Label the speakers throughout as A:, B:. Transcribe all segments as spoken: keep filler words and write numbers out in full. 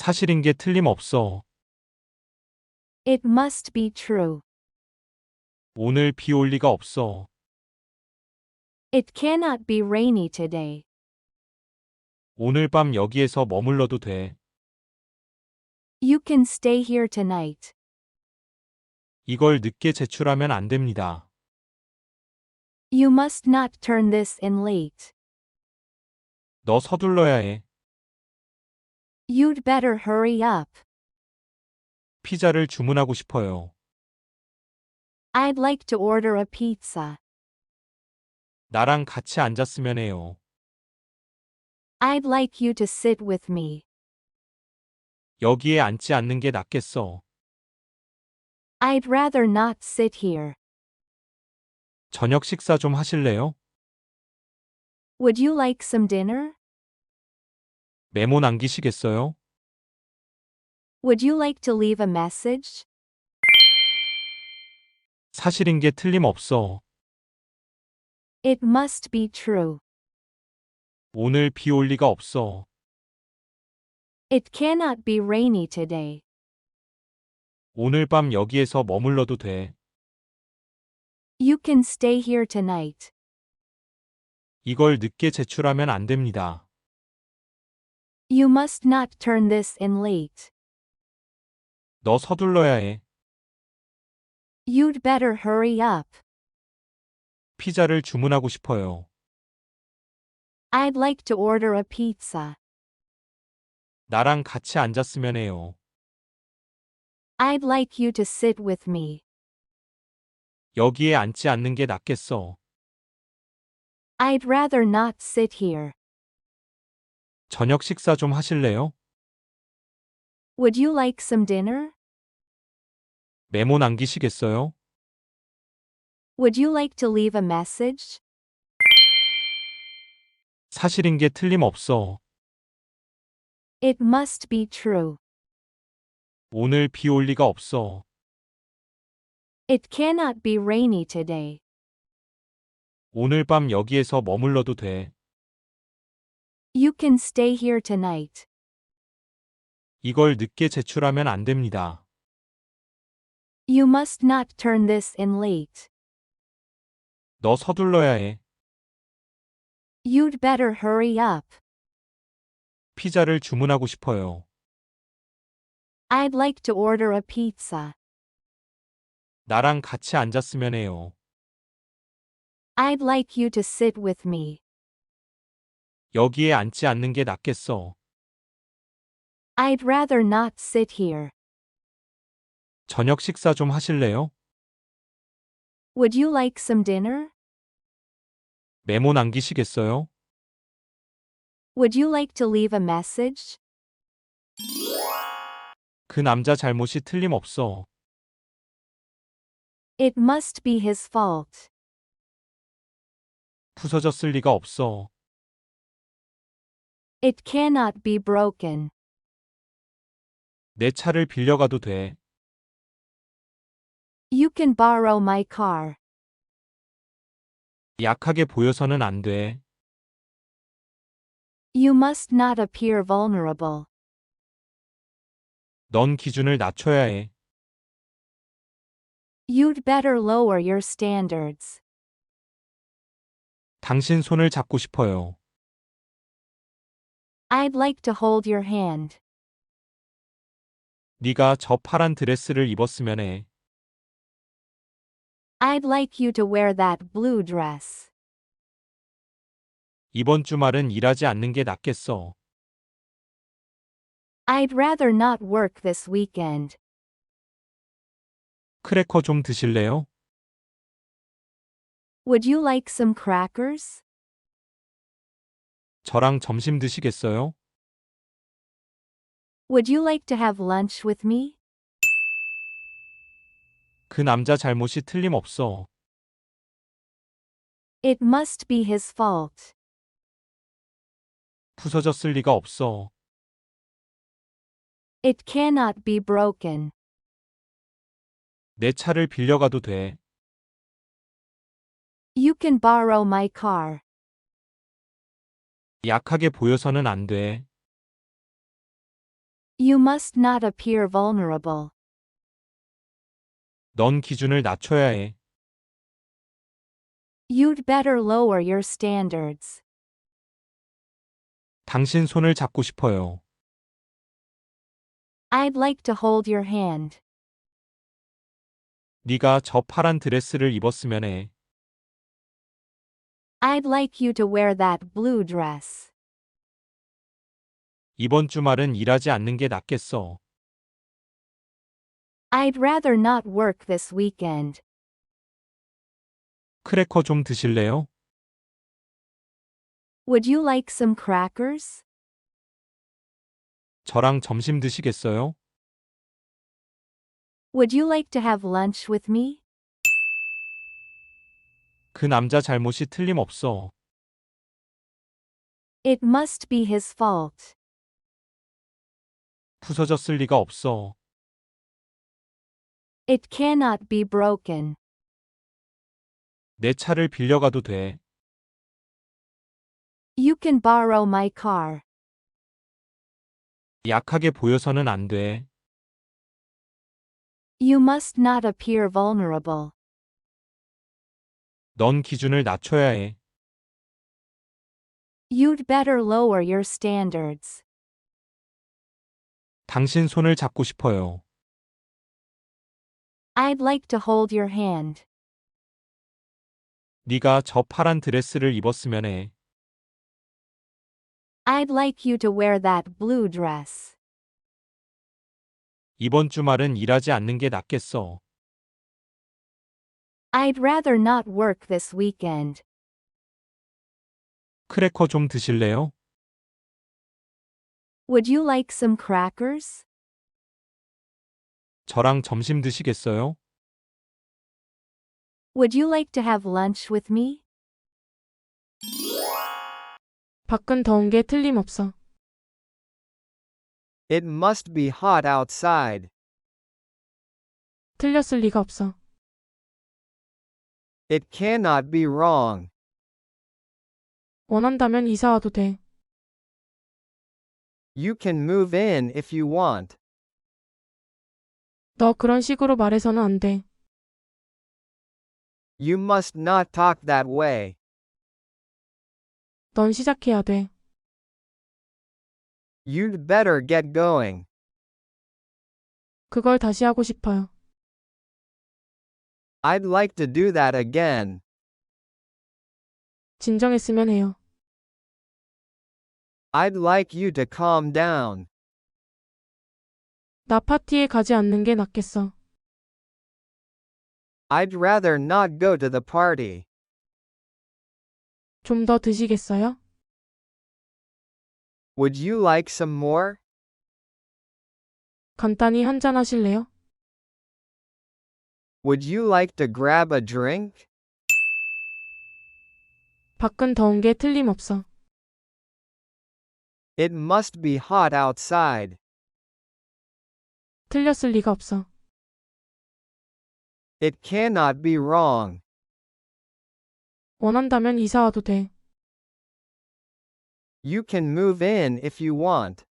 A: 사실인 게 틀림없어.
B: It must be true.
A: 오늘 비 올 리가 없어.
B: It cannot be rainy today.
A: 오늘 밤 여기에서 머물러도 돼.
B: You can stay here tonight.
A: 이걸 늦게 제출하면 안 됩니다.
B: You must not turn this in late.
A: 너 서둘러야 해.
B: You'd better hurry up.
A: 피자를 주문하고 싶어요.
B: I'd like to order a pizza.
A: 나랑 같이 앉았으면 해요.
B: I'd like you to sit with me.
A: 여기에 앉지 않는 게 낫겠어.
B: I'd rather not sit here.
A: 저녁 식사 좀 하실래요?
B: Would you like some dinner?
A: 메모 남기시겠어요?
B: Would you like to leave a message?
A: 사실인 게 틀림없어.
B: It must be true.
A: 오늘 비 올 리가 없어.
B: It cannot be rainy today.
A: 오늘 밤 여기에서 머물러도 돼.
B: You can stay here tonight.
A: 이걸 늦게 제출하면 안 됩니다.
B: You must not turn this in late.
A: 너 서둘러야 해.
B: You'd better hurry up.
A: 피자를 주문하고 싶어요.
B: I'd like to order a pizza.
A: 나랑 같이 앉았으면 해요.
B: I'd like you to sit with me.
A: 여기에 앉지 않는 게 낫겠어.
B: I'd rather not sit here.
A: 저녁 식사 좀 하실래요?
B: Would you like some dinner?
A: 메모 남기시겠어요?
B: Would you like to leave a message?
A: 사실인 게 틀림없어.
B: It must be true.
A: 오늘 비 올 리가 없어.
B: It cannot be rainy today.
A: 오늘 밤 여기에서 머물러도 돼.
B: You can stay here tonight.
A: 이걸 늦게 제출하면 안 됩니다.
B: You must not turn this in late.
A: 너 서둘러야 해.
B: You'd better hurry up.
A: 피자를 주문하고 싶어요.
B: I'd like to order a pizza.
A: 나랑 같이 앉았으면 해요.
B: I'd like you to sit with me.
A: 여기에 앉지 않는 게 낫겠어.
B: I'd rather not sit here.
A: 저녁 식사 좀 하실래요?
B: Would you like some dinner?
A: 메모 남기시겠어요?
B: Would you like to leave a message?
A: 그 남자 잘못이 틀림없어.
B: It must be his fault.
A: 부서졌을 리가 없어.
B: It cannot be broken.
A: 내 차를 빌려가도 돼.
B: You can borrow my car.
A: 약하게 보여서는 안 돼.
B: You must not appear vulnerable.
A: 넌 기준을 낮춰야 해.
B: You'd better lower your standards.
A: 당신 손을 잡고 싶어요.
B: I'd like to hold your hand.
A: 네가 저 파란 드레스를 입었으면 해.
B: I'd like you to wear that blue dress.
A: 이번 주말은 일하지 않는 게 낫겠어.
B: I'd rather not work this weekend.
A: 크래커 좀 드실래요?
B: Would you like some crackers?
A: 저랑 점심 드시겠어요?
B: Would you like to have lunch with me?
A: 그 남자 잘못이 틀림없어.
B: It must be his fault.
A: 부서졌을 리가 없어.
B: It cannot be broken.
A: 내 차를 빌려가도 돼.
B: You can borrow my car.
A: 약하게 보여서는 안 돼.
B: You must not appear vulnerable.
A: 넌 기준을 낮춰야 해.
B: You'd better lower your standards.
A: 당신 손을 잡고 싶어요.
B: I'd like to hold your hand.
A: 네가 저 파란 드레스를 입었으면 해.
B: I'd like you to wear that blue dress.
A: 이번 주말은 일하지 않는 게 낫겠어.
B: I'd rather not work this weekend.
A: 크래커 좀 드실래요?
B: Would you like some crackers?
A: 저랑 점심 드시겠어요?
B: Would you like to have lunch with me?
A: 그 남자 잘못이 틀림없어.
B: It must be his fault.
A: 부서졌을 리가 없어.
B: It cannot be broken.
A: 내 차를 빌려가도 돼.
B: You can borrow my car.
A: 약하게 보여서는 안 돼.
B: You must not appear vulnerable.
A: 넌 기준을 낮춰야 해.
B: You'd better lower your standards.
A: 당신 손을 잡고 싶어요.
B: I'd like to hold your hand.
A: 네가 저 파란 드레스를 입었으면 해.
B: I'd like you to wear that blue dress.
A: 이번 주말은 일하지 않는 게 낫겠어.
B: I'd rather not work this weekend.
A: 크래커 좀 드실래요?
B: Would you like some crackers?
A: 저랑 점심 드시겠어요?
B: Would you like to have lunch with me?
C: 밖은 더운 게 틀림없어.
D: It must be hot outside.
C: 틀렸을 리가 없어.
D: It cannot be wrong.
C: 원한다면 이사 와도 돼.
D: You can move in if you want.
C: 너 그런 식으로 말해서는 안 돼.
D: You must not talk that way.
C: 넌 시작해야 돼.
D: You'd better get going.
C: 그걸 다시 하고 싶어요.
D: I'd like to do that again.
C: 진정했으면 해요.
D: I'd like you to calm down.
C: 나 파티에 가지 않는 게 낫겠어.
D: I'd rather not go to the party.
C: 좀 더 드시겠어요?
D: Would you like some more?
C: 간단히 한잔 하실래요?
D: Would you like to grab a drink?
C: 밖은 더운 게 틀림없어.
D: It must be hot outside.
C: 틀렸을 리가 없어.
D: It cannot be wrong.
C: 원한다면 이사 와도 돼.
D: You can move in if you want.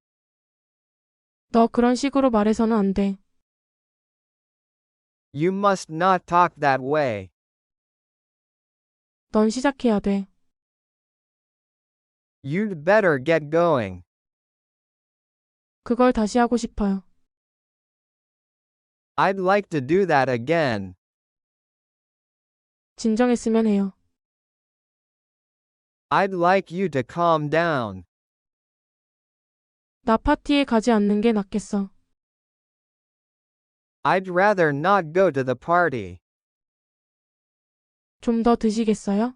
C: 너 그런 식으로 말해서는 안 돼.
D: You must not talk that way.
C: 넌 시작해야 돼.
D: You'd better get going.
C: 그걸 다시 하고 싶어요.
D: I'd like to do that again.
C: 진정했으면 해요.
D: I'd like you to calm down.
C: 나 파티에 가지 않는 게 낫겠어.
D: I'd rather not go to the party.
C: 좀 더 드시겠어요?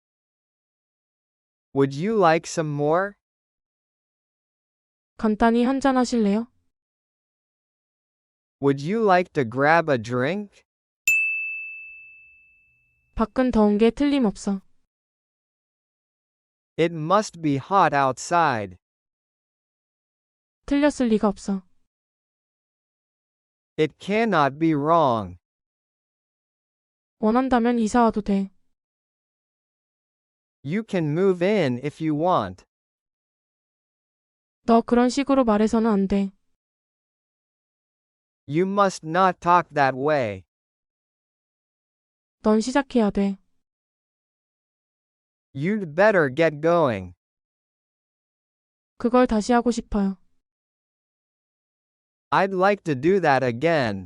D: Would you like some more?
C: 간단히 한잔 하실래요?
D: Would you like to grab a drink?
C: 밖은 더운 게 틀림없어.
D: It must be hot outside.
C: 틀렸을 리가 없어.
D: It cannot be wrong.
C: 원한다면 이사 와도 돼.
D: You can move in if you want.
C: 너 그런 식으로 말해서는 안 돼.
D: You must not talk that way.
C: 넌 시작해야 돼.
D: You'd better get going.
C: 그걸 다시 하고 싶어요.
D: I'd like to do that again.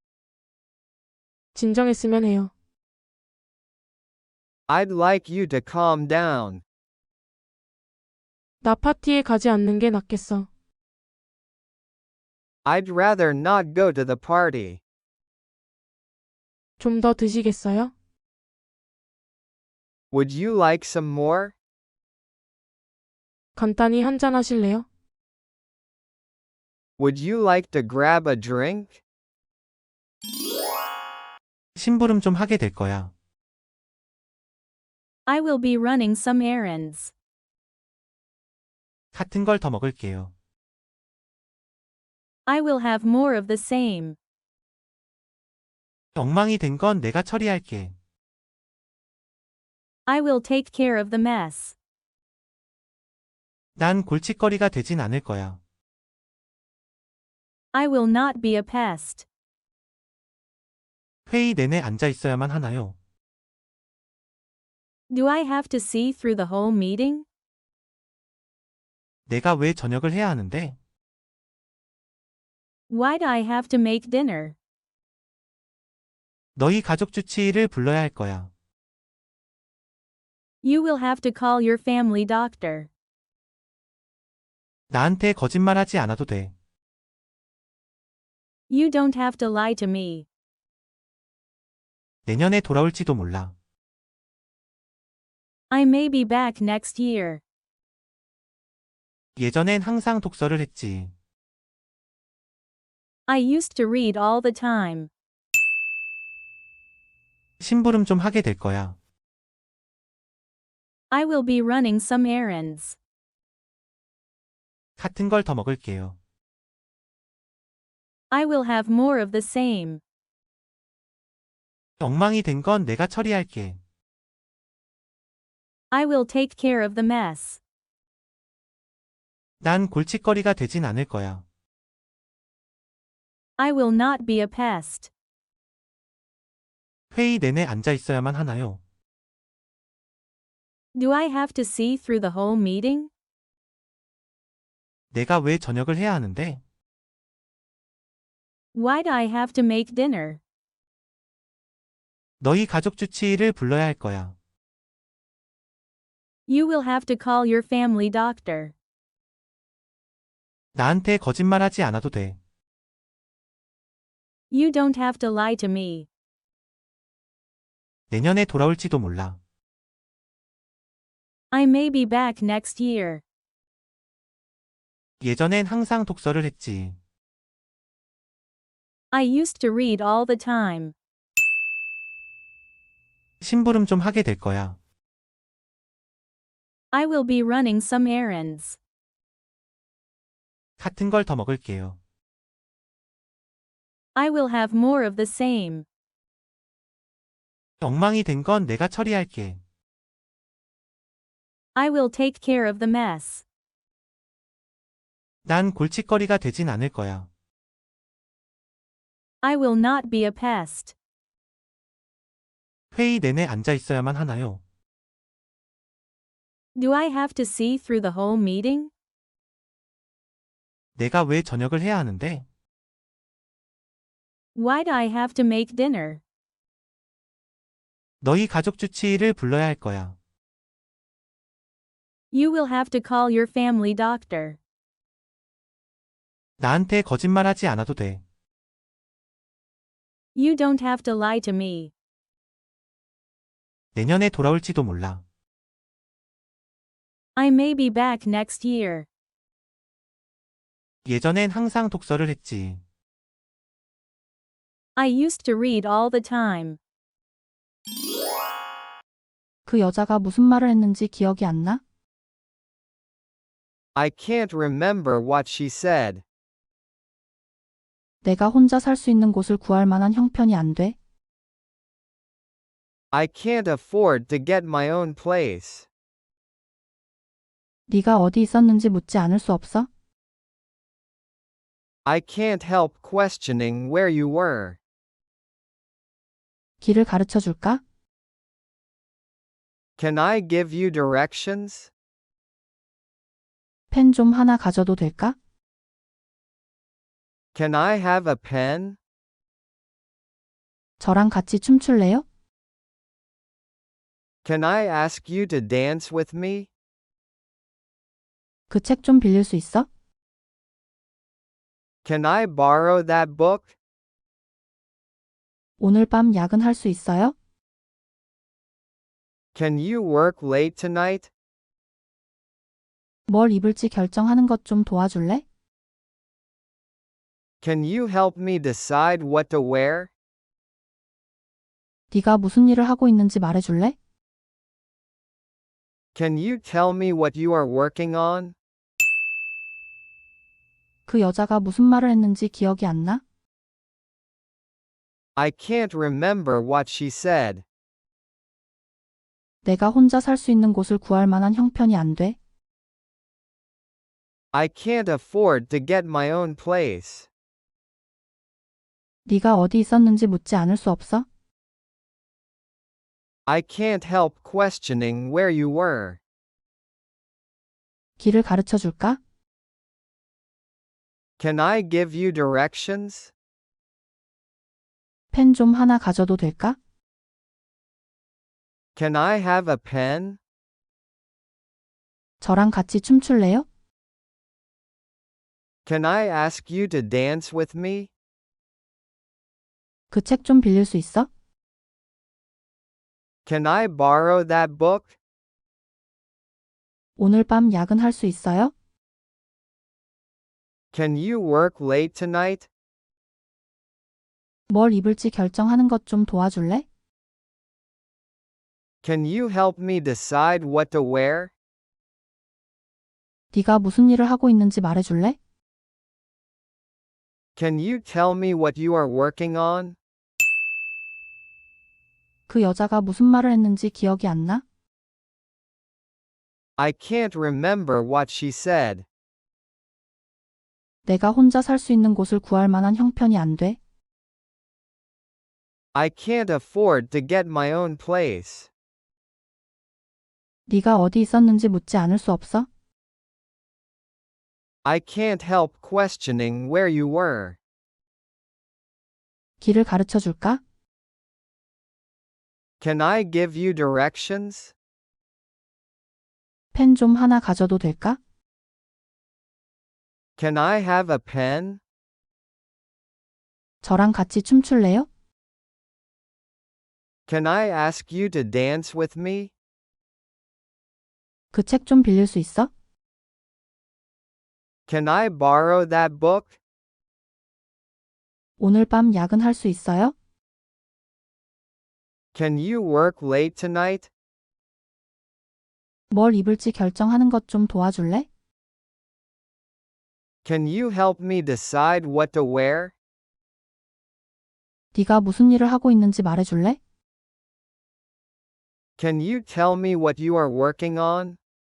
C: 진정했으면 해요.
D: I'd like you to calm down.
C: 나 파티에 가지 않는 게 낫겠어.
D: I'd rather not go to the party.
C: 좀 더 드시겠어요?
D: Would you like some more?
C: 간단히 한잔 하실래요?
D: Would you like to grab a drink?
A: 심부름 좀 하게 될 거야.
B: I will be running some errands.
A: 같은 걸 더 먹을게요.
B: I will have more of the same.
A: 엉망이 된 건 내가 처리할게.
B: I will take care of the mess.
A: 난 골칫거리가 되진 않을 거야.
B: I will not be a pest.
A: 회의 내내 앉아 있어야만 하나요?
B: Do I have to see through the whole meeting?
A: 내가 왜 저녁을 해야 하는데?
B: Why do I have to make dinner?
A: 너희 가족 주치의를 불러야 할 거야.
B: You will have to call your family doctor.
A: 나한테 거짓말하지 않아도 돼.
B: You don't have to lie to me.
A: 내년에 돌아올지도 몰라.
B: I may be back next year.
A: 예전엔 항상 독서를 했지.
B: I used to read all the time.
A: 심부름 좀 하게 될 거야.
B: I will be running some errands.
A: 같은 걸 더 먹을게요.
B: I will have more of the same.
A: 엉망이 된 건 내가 처리할게.
B: I will take care of the mess.
A: 난 골칫거리가 되진 않을 거야.
B: I will not be a pest.
A: 회의 내내 앉아 있어야만 하나요?
B: Do I have to see through the whole meeting?
A: 내가 왜 저녁을 해야 하는데?
B: Why do I have to make dinner?
A: 너희 가족 주치의를 불러야 할 거야.
B: You will have to call your family doctor.
A: 나한테 거짓말하지 않아도 돼.
B: You don't have to lie to me.
A: 내년에 돌아올지도 몰라.
B: I may be back next year.
A: 예전엔 항상 독서를 했지.
B: I used to read all the time.
A: 심부름 좀 하게 될 거야.
B: I will be running some errands.
A: 같은 걸 더 먹을게요.
B: I will have more of the same.
A: 엉망이 된 건 내가 처리할게.
B: I will take care of the mess.
A: 난 골칫거리가 되진 않을 거야.
B: I will not be a pest.
A: 회의 내내 앉아 있어야만 하나요?
B: Do I have to see through the whole meeting?
A: 내가 왜 저녁을 해야 하는데?
B: Why do I have to make dinner?
A: 너희 가족 주치의를 불러야 할 거야.
B: You will have to call your family doctor.
A: 나한테 거짓말하지 않아도 돼.
B: You don't have to lie to me.
A: 내년에 돌아올지도 몰라.
B: I may be back next year.
A: 예전엔 항상 독서를 했지.
B: I used to read all the time.
E: 그 여자가 무슨 말을 했는지 기억이 안 나?
D: I can't remember what she said.
E: 내가 혼자 살 수 있는 곳을 구할 만한 형편이 안 돼?
D: I can't afford to get my own place.
E: 네가 어디 있었는지 묻지 않을 수 없어?
D: I can't help questioning where you were.
E: 길을 가르쳐 줄까?
D: Can I give you directions?
E: 펜 좀 하나 가져도 될까?
D: Can I have a pen?
E: 저랑 같이 춤출래요?
D: Can I ask you to dance with me?
E: 그 책 좀 빌릴 수 있어?
D: Can I borrow that book?
E: 오늘 밤 야근할 수 있어요?
D: Can you work late tonight?
E: 뭘 입을지 결정하는 것 좀 도와줄래?
D: Can you help me decide what to wear?
E: 네가 무슨 일을 하고 있는지 말해줄래?
D: Can you tell me what you are working on?
E: 그 여자가 무슨 말을 했는지 기억이 안 나?
D: I can't remember what she said.
E: 내가 혼자 살 수 있는 곳을 구할 만한 형편이 안 돼.
D: I can't afford to get my own place.
E: 네가 어디 있었는지 묻지 않을 수 없어?
D: I can't help questioning where you were.
E: 길을 가르쳐 줄까?
D: Can I give you directions?
E: 펜 좀 하나 가져도 될까?
D: Can I have a pen?
E: 저랑 같이 춤출래요?
D: Can I ask you to dance with me?
E: 그 책 좀 빌릴 수 있어?
D: Can I borrow that book?
E: 오늘 밤 야근할 수 있어요?
D: Can you work late tonight?
E: 뭘 입을지 결정하는 것 좀 도와줄래?
D: Can you help me decide what to wear?
E: 네가 무슨 일을 하고 있는지 말해줄래?
D: Can you tell me what you are working on?
E: 그 여자가 무슨 말을 했는지 기억이 안 나?
D: I can't remember what she said.
E: 내가 혼자 살 수 있는 곳을 구할 만한 형편이 안 돼.
D: I can't afford to get my own place.
E: 네가 어디 있었는지 묻지 않을 수 없어?
D: I can't help questioning where you were.
E: 길을 가르쳐 줄까?
D: Can I give you directions?
E: 펜 좀 하나 가져도 될까?
D: Can I have a pen?
E: 저랑 같이 춤출래요?
D: Can I ask you to dance with me?
E: 그 책 좀 빌릴 수 있어?
D: Can I borrow that book?
E: 오늘 밤 야근할 수 있어요?
D: Can you work late tonight?
E: 뭘 입을지 결정하는 것 좀 도와줄래?
D: Can you help me decide what to wear?
E: 네가 무슨 일을 하고 있는지 말해줄래?
D: Can you tell me what you are working on?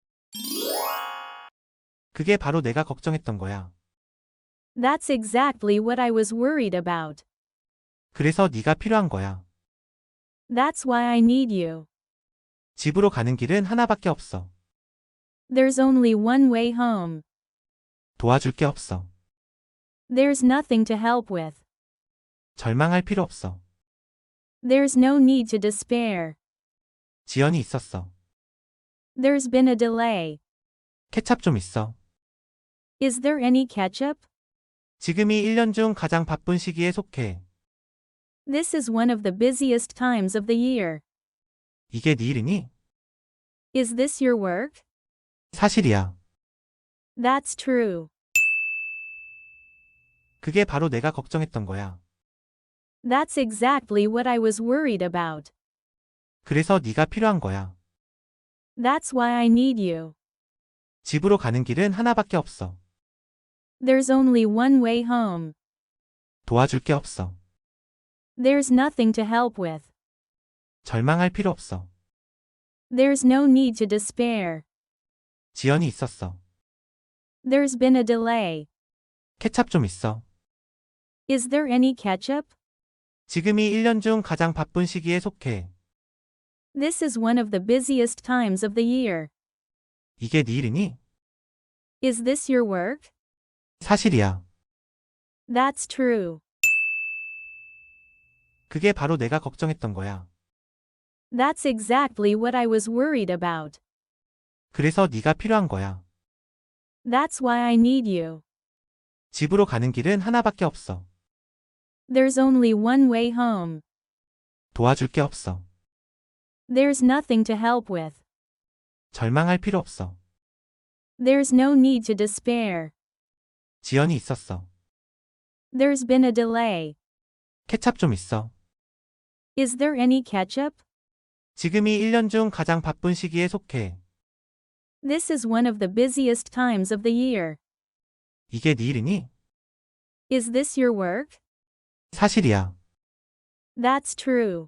A: 그게 바로 내가 걱정했던 거야.
B: That's exactly what I was worried about.
A: 그래서 네가 필요한 거야.
B: That's why I need you.
A: 집으로 가는 길은 하나밖에 없어.
B: There's only one way home.
A: 도와줄 게 없어.
B: There's nothing to help with.
A: 절망할 필요 없어.
B: There's no need to despair.
A: 지연이 있었어.
B: There's been a delay.
A: 케찹 좀 있어.
B: Is there any ketchup?
A: 지금이 일 년 중 가장 바쁜 시기에 속해.
B: This is one of the busiest times of the year.
A: 이게 네 일이니?
B: Is this your work?
A: 사실이야.
B: That's true.
A: 그게 바로 내가 걱정했던 거야.
B: That's exactly what I was worried about.
A: 그래서 네가 필요한 거야.
B: That's why I need you.
A: 집으로 가는 길은 하나밖에 없어.
B: There's only one way home.
A: 도와줄 게 없어.
B: There's nothing to help with.
A: 절망할 필요 없어.
B: There's no need to despair.
A: 지연이 있었어.
B: There's been a delay.
A: 케찹 좀 있어.
B: Is there any ketchup?
A: 지금이 일 년 중 가장 바쁜 시기에 속해.
B: This is one of the busiest times of the year.
A: 이게 네 일이니?
B: Is this your work?
A: 사실이야.
B: That's true.
A: 그게 바로 내가 걱정했던 거야.
B: That's exactly what I was worried about.
A: 그래서 네가 필요한 거야.
B: That's why I need you.
A: 집으로 가는 길은 하나밖에 없어.
B: There's only one way home.
A: 도와줄 게 없어.
B: There's nothing to help with.
A: 절망할 필요 없어.
B: There's no need to despair.
A: 지연이 있었어.
B: There's been a delay.
A: 케찹 좀 있어.
B: Is there any ketchup?
A: 지금이 일 년 중 가장 바쁜 시기에 속해.
B: This is one of the busiest times of the year.
A: 이게 네 일이니?
B: Is this your work?
A: 사실이야.
B: That's true.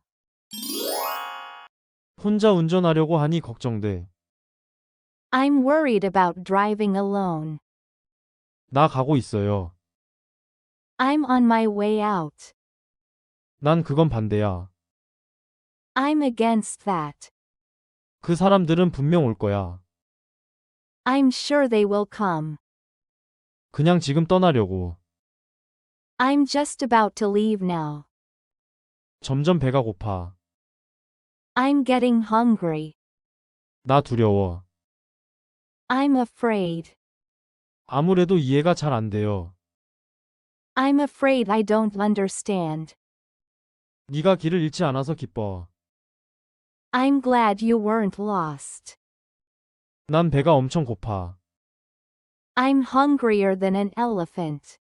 F: 혼자 운전하려고 하니 걱정돼.
B: I'm worried about driving alone.
F: 나 가고 있어요.
B: I'm on my way out.
F: 난 그건 반대야.
B: I'm against that.
F: 그 사람들은 분명 올 거야.
B: I'm sure they will come.
F: 그냥 지금 떠나려고.
B: I'm just about to leave now.
F: 점점 배가 고파.
B: I'm getting hungry.
F: 나 두려워.
B: I'm afraid.
F: 아무래도 이해가 잘 안 돼요.
B: I'm afraid I don't understand.
F: 네가 길을 잃지 않아서 기뻐.
B: I'm glad you weren't lost.
F: 난 배가 엄청 고파.
B: I'm hungrier than an elephant.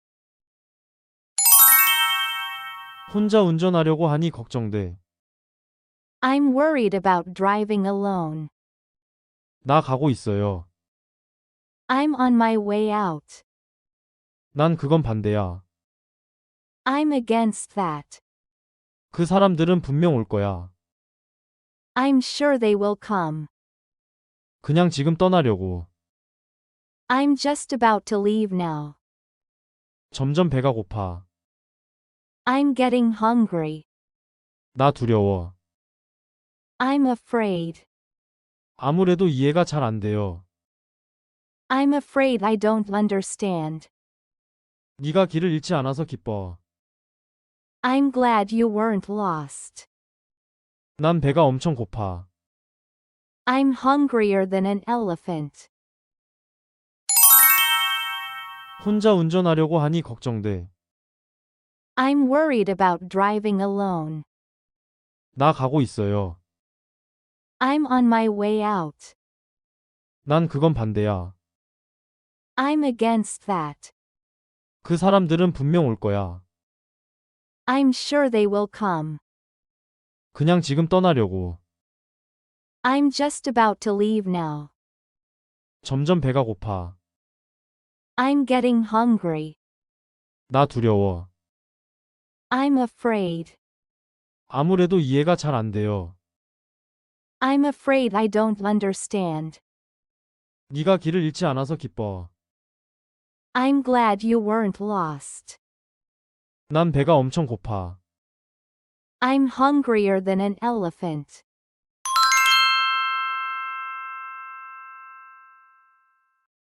F: 혼자 운전하려고 하니 걱정돼.
B: I'm worried about driving alone.
F: 나 가고 있어요.
B: I'm on my way out.
F: 난 그건 반대야.
B: I'm against that.
F: 그 사람들은 분명 올 거야.
B: I'm sure they will come.
F: 그냥 지금 떠나려고.
B: I'm just about to leave now.
F: 점점 배가 고파.
B: I'm getting hungry.
F: 나 두려워.
B: I'm afraid.
F: 아무래도 이해가 잘 안 돼요.
B: I'm afraid I don't understand.
F: 네가 길을 잃지 않아서 기뻐.
B: I'm glad you weren't lost.
F: 난 배가 엄청 고파.
B: I'm hungrier than an elephant.
F: 혼자 운전하려고 하니 걱정돼.
B: I'm worried about driving alone.
F: 나 가고 있어요.
B: I'm on my way out.
F: 난 그건 반대야.
B: I'm against that.
F: 그 사람들은 분명 올 거야.
B: I'm sure they will come.
F: 그냥 지금 떠나려고.
B: I'm just about to leave now.
F: 점점 배가 고파.
B: I'm getting hungry.
F: 나 두려워.
B: I'm afraid.
F: 아무래도 이해가 잘 안 돼요.
B: I'm afraid I don't understand.
F: 네가 길을 잃지 않아서 기뻐.
B: I'm glad you weren't lost.
F: 난 배가 엄청 고파.
B: I'm hungrier than an elephant.